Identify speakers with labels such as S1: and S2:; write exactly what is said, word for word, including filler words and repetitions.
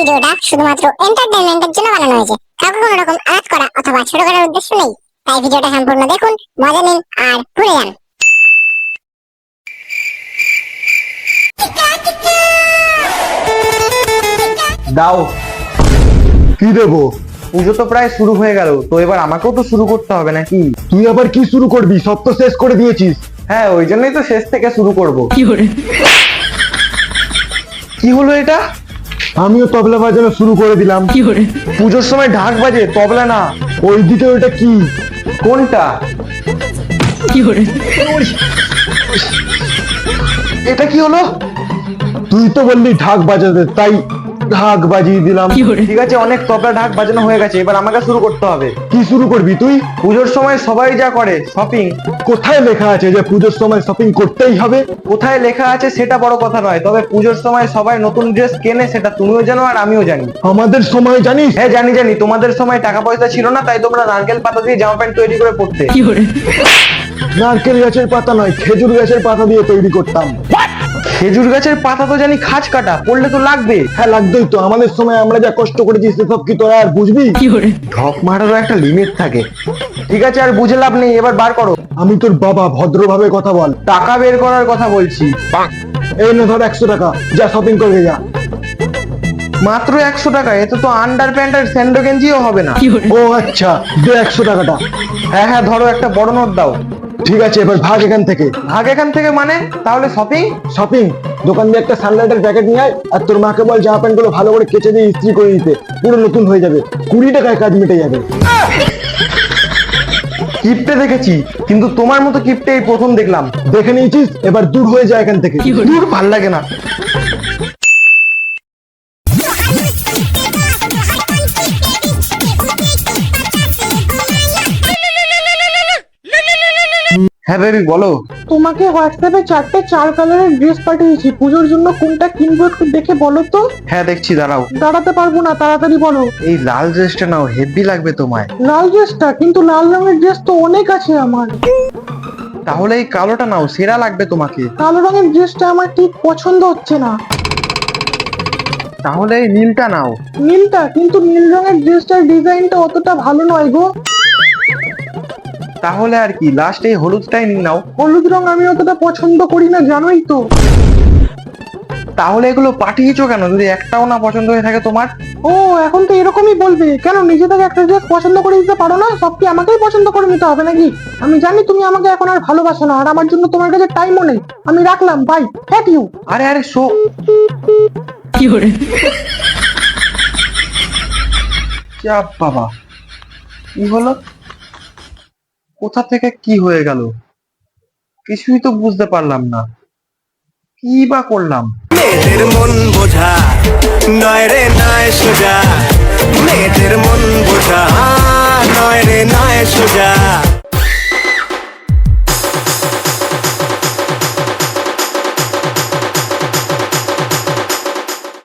S1: ভিডিওটা শুধুমাত্র এন্টারটেইনমেন্টের জন্য বানানো হয়েছে। কাউকে কোনো রকম আঘাত করা অথবা ছোট করার উদ্দেশ্য নেই। তাই ভিডিওটা সম্পূর্ণ দেখুন, মজা নিন আর ভুলে যান।
S2: দাও।
S3: কি দেবো?
S2: পুজো তো প্রায় শুরু হয়ে গেল, তো এবার আমাকেও তো শুরু করতে হবে নাকি?
S3: তুই আবার কি শুরু করবি? সব তো শেষ করে দিয়েছিস।
S2: হ্যাঁ, ওই জন্যই তো শেষ থেকে শুরু করব। কি হলো এটা?
S3: আমিও তবলা বাজানো শুরু করে দিলাম।
S2: পুজোর সময় ঢাক বাজে, তবলা না।
S3: ওইদিকে ওইটা কি?
S2: কোনটা? এটা কি হলো?
S3: তুই তো বললি ঢাক বাজাতে, তাই ঢাক বাজিয়ে দিলাম।
S2: ঠিক আছে, অনেক তবলা ঢাক বাজানো হয়ে গেছে, এবার আমাকে শুরু করতে হবে।
S3: কি শুরু করবি তুই?
S2: পুজোর সময় সবাই যা করে, শপিং।
S3: কোথায় লেখা আছে যে পুজোর সময় শপিং করতেই হবে?
S2: কোথায় লেখা আছে সেটা বড় কথা নয়, তবে পুজোর সময় সবাই নতুন ড্রেস কেনে, সেটা তুমিও জানো আর আমিও জানি।
S3: আমাদের সময় জানিস?
S2: হ্যাঁ জানি জানি, তোমাদের সময় টাকা পয়সা ছিল না, তাই তোমরা নারকেল পাতা দিয়ে জামা প্যান্ট তৈরি করে পড়তে।
S3: নারকেল গাছের পাতা নয়, খেজুর গাছের পাতা দিয়ে তৈরি করতাম।
S2: খেজুর গাছের পাতা তো জানি খাঁজ কাটা, পড়লে তো লাগবে।
S3: হ্যাঁ লাগবেই তো, আমাদের সময় আমরা যা কষ্ট করেছি সেসব কি তোরা আর বুঝবি?
S2: ঢপ মারারও একটা লিমিট থাকে। ঠিক আছে, আর বুঝে লাভ নেই, এবার বার করো।
S3: আমি তোর বাবা, ভদ্রভাবে কথা বল।
S2: টাকা বের করার কথা বলছি।
S3: এই না ধর একশো টাকা, যা শপিং করবে যা।
S2: মাত্র একশো টাকা? এতে তো আন্ডার প্যান্ট আর স্যান্ডো গেঞ্জিও হবে না।
S3: ও আচ্ছা, দে একশো টাকাটা।
S2: হ্যাঁ হ্যাঁ, ধরো, একটা বড় নোট দাও।
S3: ঠিক আছে, এবার ভাগ এখান থেকে।
S2: ভাগ এখান থেকে মানে? তাহলে শপিং?
S3: শপিং? দোকান দিয়ে একটা সানলাইটের প্যাকেট নিয়ে আয়, আর তোর মাকে বল জামা প্যান্ট গুলো ভালো করে কেচে দিয়ে ইস্ত্রি করে দিতে, পুরো নতুন হয়ে যাবে। কুড়ি টাকায় কাজ মিটে যাবে।
S2: কিপটে দেখেছি, কিন্তু তোমার মতো কিপটে এই প্রথম দেখলাম।
S3: দেখে নিয়েছিস, এবার দূর হয়ে যায় এখান থেকে।
S2: দূর, ভাল লাগে না। হ্যাঁ বেবি, বলো।
S4: তোমাকে হোয়াটসঅ্যাপে চারটে চার কালারের ড্রেস পাঠিয়েছি, পুজোর জন্য কোনটা কিনবো একটু দেখে বলো তো।
S2: হ্যাঁ দেখছি, দাঁড়াও।
S4: দাঁড়াতে পারবো না, তাড়াতাড়ি বলো।
S2: এই লাল ড্রেসটা নাও, হেভি লাগবে তোমায়।
S4: লাল ড্রেসটা? কিন্তু লাল রঙের ড্রেস তো অনেক আছে আমার।
S2: তাহলে এই কালোটা নাও, সেরা লাগবে তোমাকে।
S4: কালো রঙের ড্রেসটা আমার ঠিক পছন্দ হচ্ছে না।
S2: তাহলে এই নীলটা নাও।
S4: নীলটা? কিন্তু নীল রঙের ড্রেসটার ডিজাইনটা অতটা ভালো নয় গো।
S2: তাহলে আর কি, লাস্ট এই হলুদটাই নিয়ে নাও।
S4: হলুদ রং আমি অতটা পছন্দ করি না, জানোই তো।
S2: তাহলে এগুলো পাঠিয়েছো কেন, যদি একটাও না পছন্দ হয়ে থাকে তোমার?
S4: ও, এখন তো এরকমই বলবে কেন? নিজে থেকে একটা ড্রেস পছন্দ করে দিতে পারো না? সব কি আমাকেই পছন্দ করে নিতে হবে নাকি? আমি জানি তুমি আমাকে এখন আর ভালোবাসো না, আর আমার জন্য তোমার কাছে টাইমও নেই। আমি রাখলাম, বাই, থ্যাংক ইউ।
S2: আরে আরে শো। চাপ বাবা, কি হলো? কোথা থেকে কি হয়ে গেল, কিছুই তো বুঝতে পারলাম না। কি বা করলাম?
S5: মেয়েদের মন বোঝা